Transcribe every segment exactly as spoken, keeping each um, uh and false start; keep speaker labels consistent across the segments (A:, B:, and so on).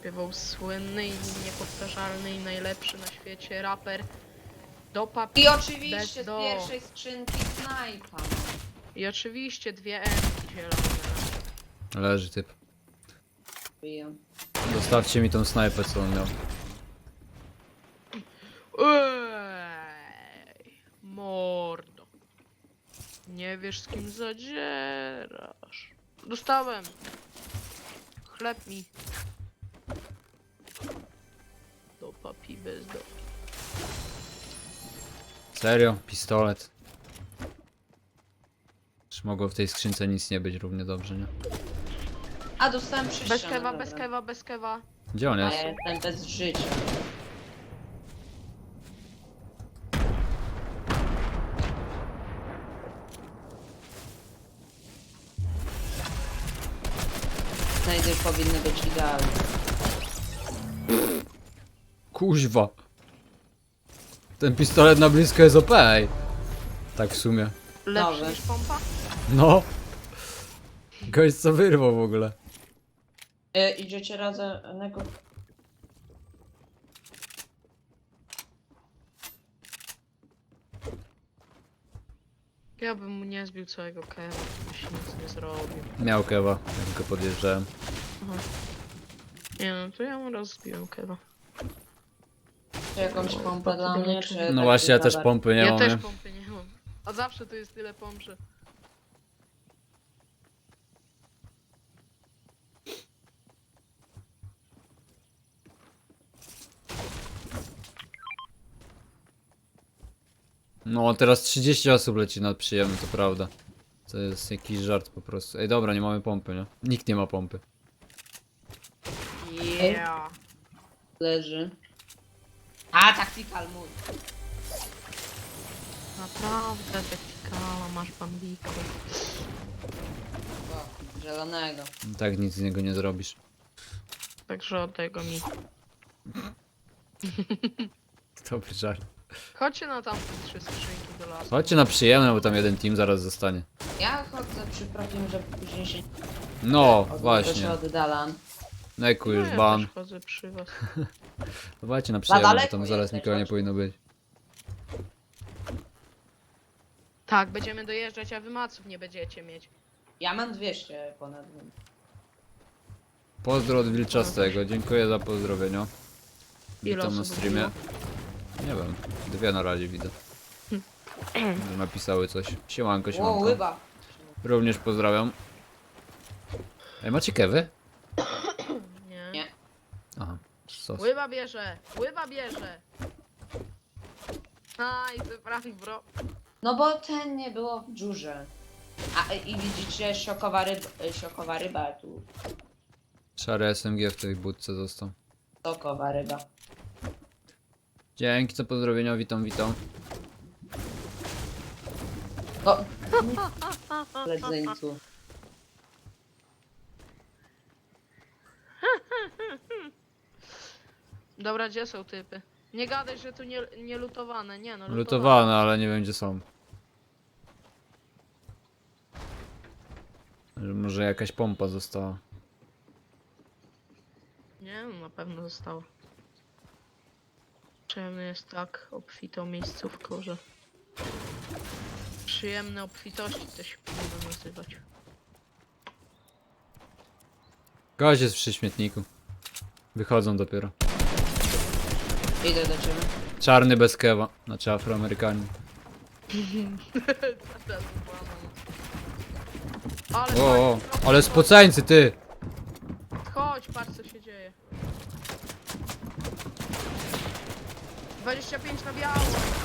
A: śpiewał słynny i niepowtarzalny i najlepszy na świecie raper do papi.
B: I oczywiście z
A: do.
B: pierwszej skrzynki snajpa.
A: I oczywiście dwie M zielone.
C: Leży typ.
B: Biję.
C: Zostawcie mi tą snajpę, co on miał.
A: Ej, mordo. Nie wiesz z kim zadzierasz. Dostałem. Chleb mi. Do papi bez do.
C: Serio? Pistolet. Czy mogło w tej skrzynce nic nie być równie dobrze, nie?
B: A dostałem przy
A: Bez
B: ścianę,
A: kewa,
B: dobra.
A: bez kewa, bez kewa.
C: Gdzie on
B: A
C: jest?
B: ja jestem bez życia. Znajdy powinny być idealne.
C: Kuźwa. Ten pistolet na blisko jest O P, ej. Tak w sumie.
A: Lepszy
B: Nowy.
A: niż pompa?
C: No. Gość co wyrwał w ogóle.
B: E, idziecie razem. Nego...
A: Ja bym mu nie zbił całego kewa, to by się nic nie zrobił.
C: Miał kewa, jak go podjeżdżałem.
A: Aha. Nie no, to ja mu rozbiłem kewa.
B: Czy jakąś pompę dla mnie, czy...
C: No
B: taki
C: właśnie, ja też
B: kabar?
C: pompy nie
A: ja
C: mam,
A: też
C: nie?
A: pompy nie mam. A zawsze tu jest tyle pomp, że...
C: No teraz trzydzieści osób leci nad przyjemny, to prawda. To jest jakiś żart po prostu. Ej dobra, nie mamy pompy, nie? Nikt nie ma pompy.
A: Yeah.
B: Leży. A, tactical mój.
A: Naprawdę, taktikala, masz bambiko.
B: O, zielonego.
C: Tak nic z niego nie zrobisz.
A: Także oddaj go mi.
C: Dobry żart.
A: Chodźcie na tamte trzy skrzynki do lasu.
C: Chodźcie na przyjemne, bo tam jeden team zaraz zostanie.
B: Ja chodzę przy profim, żeby później się...
C: No,
B: od-
C: właśnie.
B: się oddalam.
C: Neku
A: No
C: już
A: ja
C: ban.
A: też chodzę przy was.
C: Dawajcie na przyjemne, bo
B: daleko
C: tam zaraz
B: jesteś,
C: nikogo nie
B: chodź.
C: powinno być.
A: Tak, będziemy dojeżdżać, a wy maców nie będziecie mieć.
B: Ja mam dwieście ponad.
C: Pozdro od Wilczastego, dziękuję za pozdrowienia.
A: Ile
C: Witam na
A: osób
C: streamie. Nie wiem, dwie na razie widzę. Że napisały coś. Siemanko,
B: O,
C: siemanko.
B: łyba.
C: Również pozdrawiam. Ej, macie kewy?
A: Nie.
B: Nie.
C: Aha, sos.
A: Łyba bierze! Łyba bierze! Aj, ty prawie bro.
B: No bo ten nie było w dziurze. A i widzicie, siokowa ryba, siokowa ryba tu.
C: Szary S M G w tej budce został.
B: Sokowa ryba.
C: Dzięki za pozdrowienia, witam, witam.
B: O! Ledzeńcu.
A: Dobra, gdzie są typy? Nie gadaj, że tu nie, nie lutowane, nie no, lutowane.
C: Lutowane, ale nie wiem gdzie są. Że może jakaś pompa została.
A: Nie no, na pewno zostało. Przyjemny jest tak obfitą miejscówką, że... Przyjemne obfitości to się powinno nazywać.
C: Gość jest przy śmietniku. Wychodzą dopiero.
B: Idę do ciebie.
C: Czarny bez kewa, znaczy Afroamerykanin.
A: Ale
C: O, o,
A: fajnie,
C: ale
A: chodź,
C: spoceńcy ty!
A: Chodź, patrz co się dzieje. dwadzieścia pięć na biało.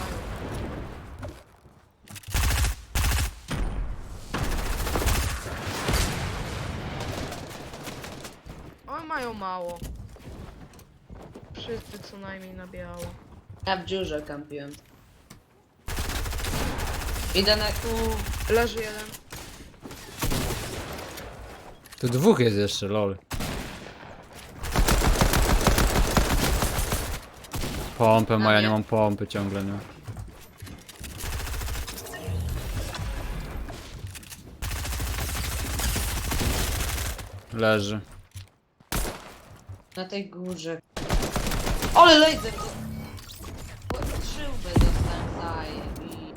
A: One mają mało. Wszyscy co najmniej na biało.
B: Ja w dziurze kampiłem. Idę na tu.
A: Leży jeden.
C: Tu dwóch jest jeszcze, lol. Pompę ma, ja nie mam pompy ciągle, nie? Leży.
B: Na tej górze. Ale laser! Strzyłby dostałem zaj i...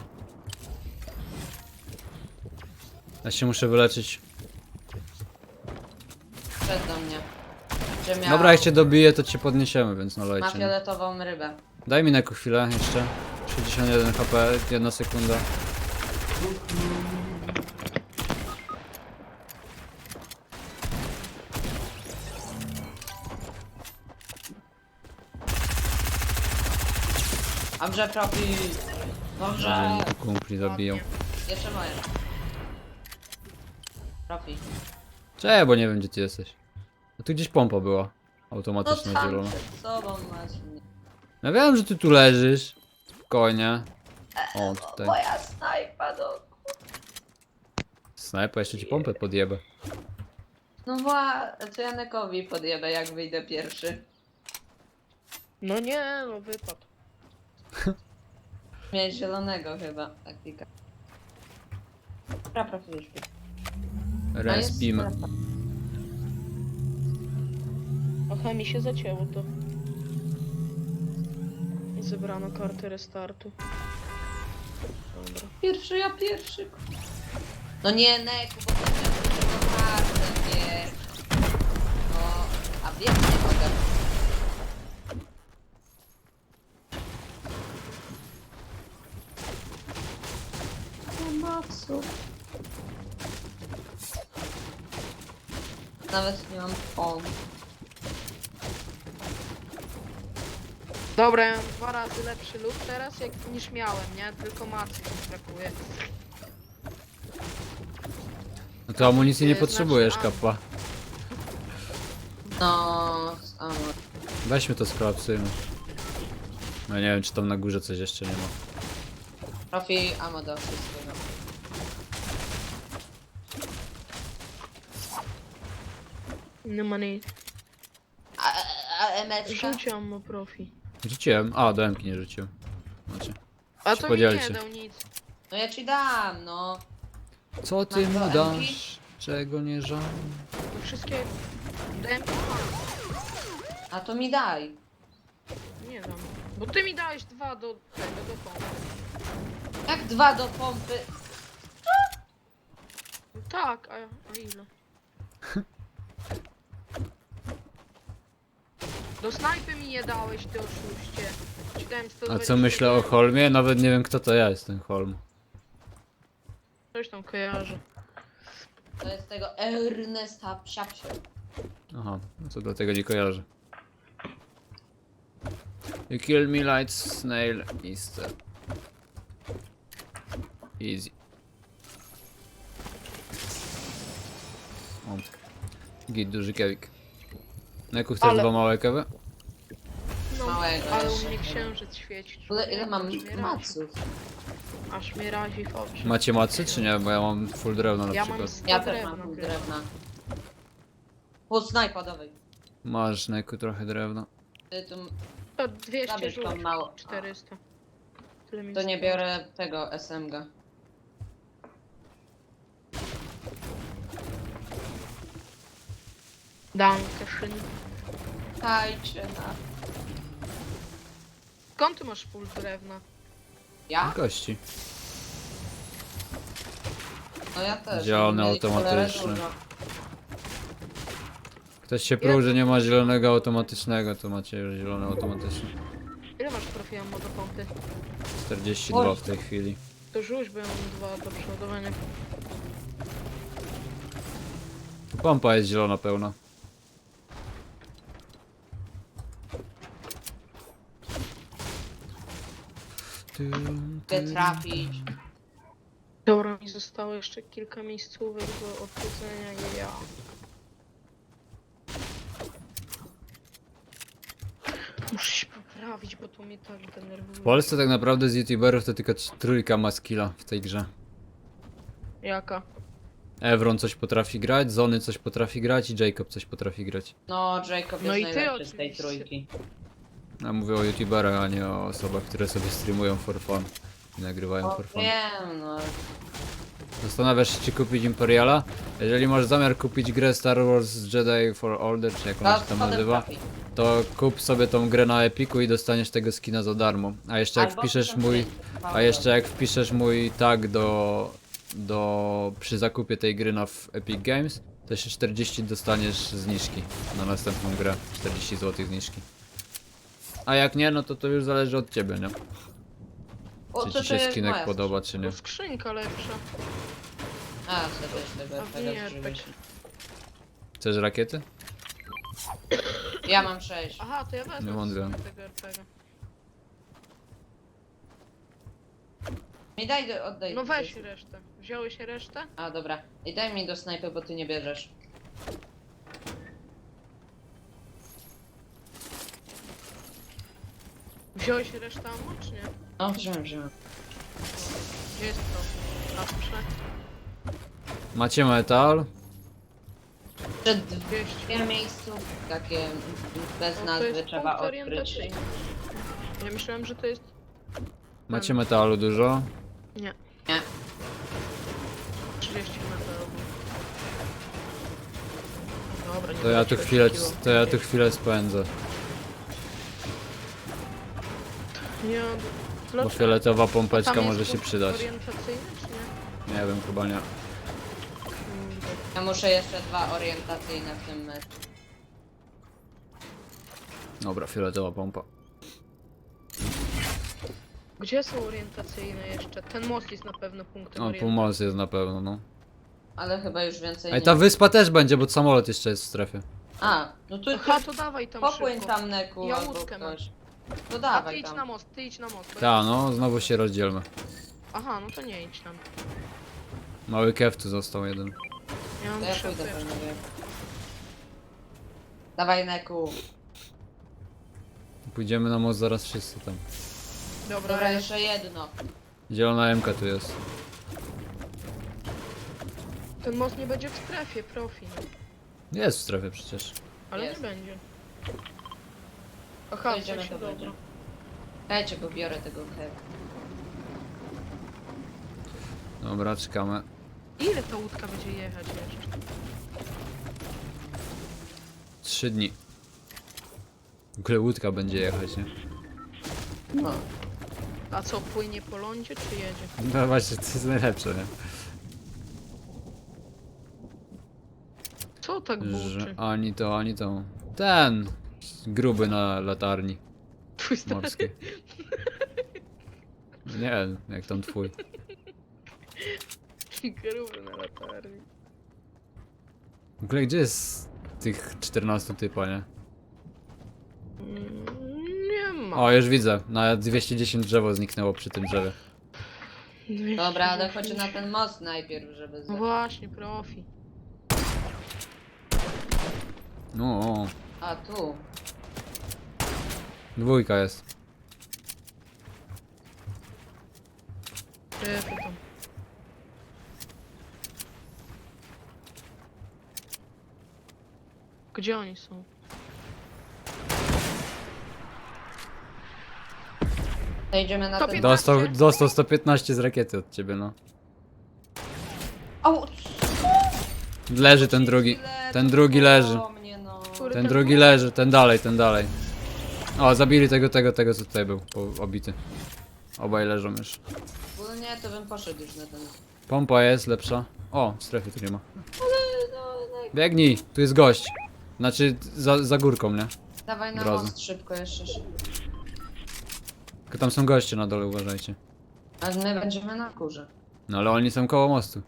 C: Ja się muszę wyleczyć.
B: Przed do mnie. Że miał...
C: Dobra, jak cię dobiję, to cię podniesiemy, więc no
B: Ma
C: lejcie. nie?
B: fioletową rybę.
C: Daj mi na jakąś chwilę jeszcze. sześćdziesiąt jeden H P, jedna sekunda.
B: Dobrze, profi. Dobrze.
C: Że mi kumpli zabiją.
A: Ładnie.
B: Jeszcze moje. Profi.
C: Cześć, bo nie wiem gdzie ty jesteś. A tu gdzieś pompa była.
B: No
C: Automatyczna
B: tam
C: zielona.
B: przed sobą masz mnie.
C: Ja wiem, że ty tu leżysz. Spokojnie. O, tutaj.
B: Moja snajpa do...
C: Snajpa, jeszcze ci pompę podjebę.
B: No wła... To Janekowi podjebę jak wyjdę pierwszy.
A: No nie, no wypadł.
B: Miałeś zielonego chyba, taktika. Dobra, profi już. A jest
C: Respimy.
B: strefa.
A: Aha, mi się zacięło to. I zebrano kartę restartu. Dobra.
B: Pierwszy, ja pierwszy. No nie, Neku, bo to jest kartę, wiesz. No, a bieg nie mogę. Pomocy. Nawet nie mam pomp.
A: Dobra, ja mam dwa razy lepszy luk teraz jak, niż miałem, nie? Tylko macy mi brakuje.
C: No to amunicji nie
A: Znaczy,
C: potrzebujesz,
A: a-
C: kappa.
B: No, samo.
C: Weźmy to skolapsujmy. No nie wiem, czy tam na górze coś jeszcze nie ma.
B: Profi, amo do wszystkiego.
A: Nie ma nic.
B: A, a, a emeczka?
A: Rzuć ammo profi.
C: Rzuciłem. A, do M-ki nie rzuciłem. Znaczy.
A: A
C: Się
A: to mi
C: podzielcie.
A: nie dał nic.
B: No ja ci dam, no.
C: Co ty
B: Masz
C: mu
B: do M-ki?
C: dasz? Czego nie żal?
A: To wszystkie... Dałem...
B: A to mi daj.
A: Nie dam. Bo ty mi dałeś dwa do tego, do pompy.
B: Jak dwa do pompy?
A: No tak, a, a ile? Do snajpy mi je dałeś, ty oszuście. Ci dałem sto
C: A
A: dwadzieścia
C: co myślę o
A: jeden.
C: Holmie? Nawet nie wiem kto to ja jest ten Holm.
A: Coś tam kojarzę.
B: To jest tego Ernesta Psiapsia.
C: Aha, no to dlatego nie kojarzę. You kill me light snail Easter. Easy. O. Git, duży kewik. Na jaku chcesz
A: Ale-
C: dwa małe kewy?
A: No,
B: Małego
A: ale u
B: jeszcze.
A: mnie księżyc świeci.
B: W ogóle ile mam
A: Aż mnie razi.
B: maców?
A: Aż mnie razi w oczy.
C: Macie macy czy nie? Bo ja mam full drewno na
A: Ja mam
C: przykład.
A: sto
B: Ja też
A: drewna
B: mam pół
A: chyba.
B: drewna. Pół snajpa, dawaj.
C: Masz Neku trochę drewna.
B: Ty tu...
A: To dwieście
B: Zabierz
A: rzuć.
B: tą mało.
A: czterysta. Tyle mi
B: To nie
A: zostało.
B: biorę tego S M G.
A: Dankeschön.
B: Dajcie na...
A: Skąd ty masz full drewna?
B: Ja?
C: Kości.
B: No ja też.
C: Zielony
B: Mieli cholerę
C: automatyczny.
B: dużo.
C: Ktoś się pruł, że nie ma zielonego automatycznego, to macie już zielony automatyczny.
A: Ile masz profi ammo do pompy?
C: czterdzieści dwa w tej chwili.
A: To rzuć, bo ja mam dwa do przeładowania.
C: Pompa jest zielona pełna.
B: Chcę trafić.
A: Dobra, mi zostało jeszcze kilka miejscówek do odwiedzenia i ja. Muszę się poprawić, bo to mnie tak denerwuje.
C: W Polsce tak naprawdę z youtuberów to tylko trz- trójka ma skilla w tej grze.
A: Jaka?
C: Evron coś potrafi grać, Zony coś potrafi grać i Jacob coś potrafi grać.
B: No, Jacob
A: No
B: jest
A: i ty
B: najlepszy z tej
A: oczywiście.
B: trójki.
C: Ja mówię o youtuberach, a nie o osobach, które sobie streamują for fun i nagrywają
B: O,
C: for fun.
B: wiem, no.
C: Zastanawiasz się, czy kupić Imperiala? Jeżeli masz zamiar kupić grę Star Wars Jedi for Order, czy jak ona się tam
B: spodem
C: nazywa,
B: trafi.
C: to kup sobie tą grę na Epiku i dostaniesz tego skina za darmo. A jeszcze jak
B: Albo
C: wpiszesz
B: tam
C: mój...
B: jest,
C: A
B: Paweł.
C: jeszcze jak wpiszesz mój tag do... do... przy zakupie tej gry na w Epic Games, to jeszcze czterdzieści dostaniesz zniżki na następną grę. czterdzieści złotych zniżki. A jak nie, no to to już zależy od ciebie, nie?
B: O,
C: Czy
B: to
C: ci
B: to
C: się
B: jest
C: skinek
B: moja
C: podoba, czy nie?
A: To skrzynka lepsza.
B: A, to też tego
A: A
B: tego
A: nie,
B: zużyłeś.
C: Chcesz rakiety?
B: Ja mam sześć.
A: Aha, to ja wezmę
C: Nie wątpię.
A: sobie tego er pe gie.
B: Mi daj, do, oddaj.
A: No weź resztę. Wziąłeś resztę?
B: A, dobra. I daj mi do snajpy, bo ty nie bierzesz.
A: Wziąłeś resztę ammo, czy nie?
B: No, wziąłem, wziąłem.
A: Gdzie jest to? Patrzę.
C: Macie metal?
B: Przed
A: dwieście.
B: dwie miejscu takie bez
A: No to
B: nazwy
A: jest
B: trzeba
A: punkt
B: odkryć.
A: orientacyjny. Ja myślałem, że to jest...
C: Macie metalu dużo?
A: Nie.
B: Nie.
A: trzydzieści metrów. Dobra, nie
C: To ja
A: będę
C: tu
A: się
C: chwilę,
A: oszukiwał.
C: to ja tu chwilę spędzę.
A: Nie,
C: Bo
A: dlaczego?
C: fioletowa
A: A
C: pompeczka
A: tam jest
C: może się
A: punkt
C: przydać.
A: orientacyjny, czy nie?
C: Nie wiem, chyba nie.
A: Kurde.
B: Ja muszę jeszcze dwa orientacyjne w tym meczu.
C: Dobra, fioletowa pompa.
A: Gdzie są orientacyjne jeszcze? Ten most jest na pewno punktem
C: O,
A: orientacyjnym.
C: półmoc jest na pewno, no.
B: Ale chyba już więcej
C: Ej,
B: nie.
C: ta wyspa też będzie, bo samolot jeszcze jest w strefie.
B: A, no to,
A: Aha,
B: to
A: to dawaj tam
B: popłyń
A: szybko.
B: tam Neku
A: Ja
B: albo
A: łódkę mam.
B: ktoś. No
A: A ty
B: dawaj
A: idź na
B: tam.
A: most, ty idź na most. bo
C: Ta,
A: ja-
C: no, znowu się rozdzielmy.
A: Aha, no to nie idź tam.
C: Mały kew tu został jeden.
A: Ja mam
B: To ja
A: trzy
B: pójdę
A: apteczki.
B: panowie. Dawaj Neku.
C: Pójdziemy na most zaraz wszyscy tam.
A: Dobra,
B: Dobra, jeszcze jedno.
C: Zielona M K tu jest.
A: ten most nie będzie w strefie, profi. No.
C: Jest w strefie przecież.
A: Ale
B: Jest.
A: nie będzie. Aha,
B: To
A: w
B: idziemy,
A: sensie,
B: to
A: dobra.
B: będzie. Dajcie, bo biorę tego kew.
C: Dobra, czekamy.
A: Ile ta łódka będzie jechać jeszcze?
C: Trzy dni. W ogóle łódka będzie jechać, nie?
B: No.
A: A co, płynie po lądzie, czy jedzie?
C: No właśnie, to jest najlepsze, nie?
A: Co tak buczy?
C: Że ani to, ani to. Ten! Gruby na latarni
A: Twój stary.
C: morskiej. Nie, jak tam twój.
A: Gruby na latarni.
C: W ogóle gdzie jest tych czternastu typa, nie?
A: Mm, Nie ma.
C: O, już widzę. Na dwieście dziesięć drzewo zniknęło przy tym drzewie.
B: Dobra, ale chodź na ten most najpierw, żeby
A: No
B: z...
A: właśnie, profi.
C: No, o,
B: A tu.
C: dwójka jest.
A: Strefy tam. Gdzie oni są?
B: To idziemy na
A: To
B: ten...
A: piętnaście.
C: Dostał, dostał sto piętnaście z rakiety od ciebie, no.
B: Au!
C: Leży ten drugi. Ten drugi leży.
B: O mnie, no.
A: Który
C: Ten drugi leży, ten dalej, ten dalej. O, zabili tego, tego, tego co tutaj był, po- obity. Obaj leżą już.
B: Ogólnie to bym poszedł już na ten...
C: Pompa jest lepsza. O, strefy tu nie ma.
B: Ale no, no...
C: Biegnij, tu jest gość. Znaczy, za, za górką, nie?
B: Dawaj na
C: Drodzy.
B: most szybko jeszcze. szybko.
C: Tylko tam są goście na dole, uważajcie.
B: A my będziemy na górze.
C: No ale oni są koło mostu.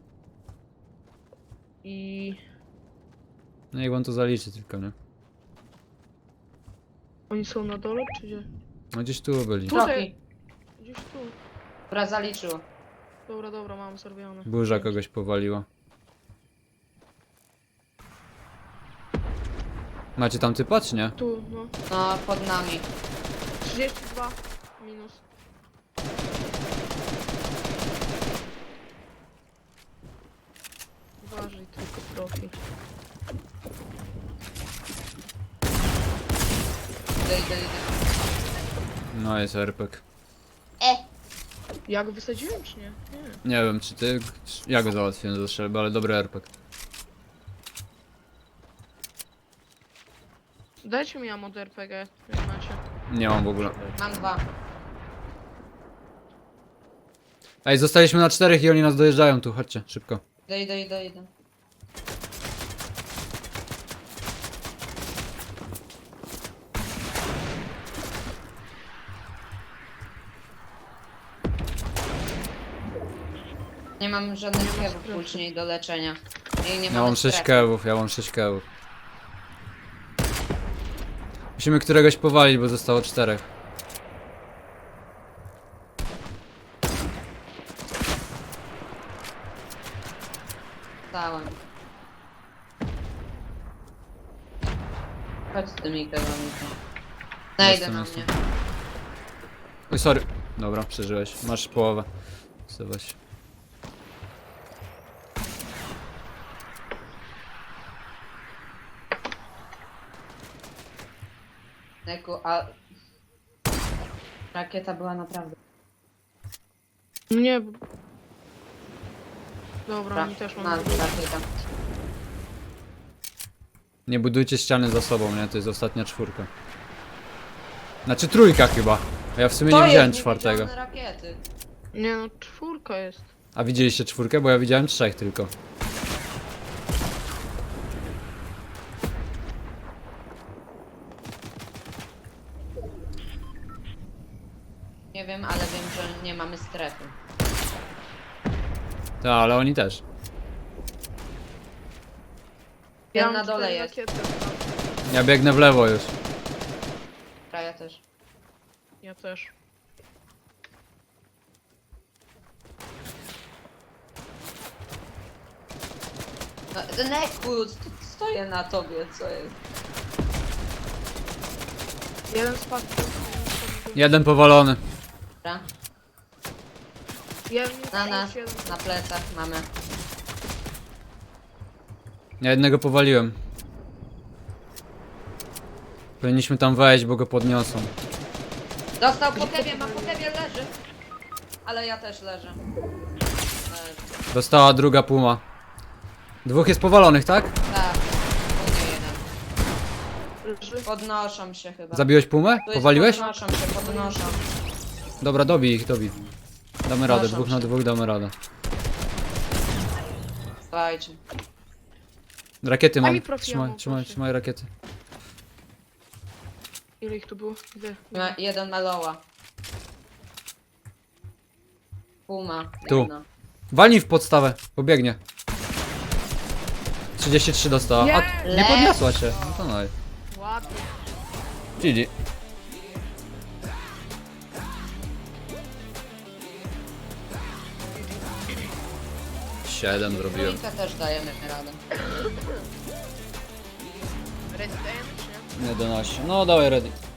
A: I...
C: No niech on to zaliczy tylko, nie?
A: Oni są na dole, czy gdzie?
C: No gdzieś tu byli.
A: Tutaj.
B: Troki.
A: Gdzieś tu.
B: Dobra, zaliczył.
A: Dobra, dobra, mam zrobione.
C: Burza kogoś powaliła. Macie tam typa, czy nie?
A: Tu, no.
B: No, pod nami.
A: trzydzieści dwa minus. Uważaj tylko, profi.
B: Idę, idę, idę.
C: No jest R P G.
B: E!
A: Ja go wysadziłem czy nie? Nie.
C: Nie wiem, czy ty... Ja go załatwiłem ze strzelby, ale dobry R P G.
A: Dajcie mi ammo do R P G, jak macie.
C: Nie mam w ogóle.
B: Mam dwa.
C: Ej, zostaliśmy na czterech i oni nas dojeżdżają tu, chodźcie, szybko.
B: Idę, idę, idę, idę. Nie mam żadnych kewów później do leczenia. I nie
C: Ja
B: mamy
C: mam sześć
B: strefy.
C: kewów, ja mam sześć kewów. Musimy któregoś powalić, bo zostało czterech.
B: Stałem. Chodź z tymi kewami. Najdę
C: Jestem,
B: na
C: jestem.
B: mnie.
C: Oj, sorry. Dobra, przeżyłeś. Masz połowę. Zobacz.
B: Neku, a... Rakieta była naprawdę...
A: Nie. bo- Dobra,
B: Ra
A: oni też
B: na,
A: mam.
B: rakieta.
C: Nie budujcie ściany za sobą, nie? To jest ostatnia czwórka. Znaczy trójka chyba. A ja w sumie nie widziałem czwartego.
B: niewidzialne rakiety.
A: Nie no, czwórka jest.
C: A widzieliście czwórkę? Bo ja widziałem trzech tylko.
B: Nie wiem, ale wiem, że nie mamy strefy.
C: Tak, ale oni też.
B: Ten
A: mam
B: na dole
A: cztery
B: jest.
A: rakiety.
C: Ja biegnę w lewo już.
B: Kraja też.
A: Ja też.
B: No, Neku, st- stoję na tobie, co jest?
A: Jeden spadł.
C: Jeden powalony.
B: Dobra?
A: Jeden
B: Na nas,
A: jeden.
B: na plecach mamy.
C: Ja jednego powaliłem. Powinniśmy tam wejść, bo go podniosą.
B: Dostał po kewie, ma po kewie, leży. Ale ja też leżę. Leży.
C: Dostała druga puma. Dwóch jest powalonych, tak?
B: Tak, u mnie jeden.
A: Leży.
B: Podnoszą się chyba.
C: Zabiłeś pumę?
B: Tu jest
C: Powaliłeś?
B: Podnoszą się, podnoszą.
C: Dobra, dobij ich, dobij. Damy radę,
B: Proszę
C: dwóch na
B: cię.
C: dwóch damy radę.
B: Słuchajcie.
C: Rakiety
A: Daj
C: mam.
A: mi profi
C: Trzymaj,
A: ammo,
C: trzymaj,
A: proszę.
C: trzymaj rakiety.
A: Ile ich tu było? Gdzie?
B: Ma jeden maloła. Puma.
C: Tu.
B: Jedna.
C: Walnij w podstawę, pobiegnie. trzydzieści trzy dostała. A, nie
B: Yes!
C: podniosła się. No to no.
A: Ładnie.
C: G G. Siedem zrobiłem.
B: Trójkę też dajemy radę.
A: Resident, nie?
C: jedenaście. No dawaj ready.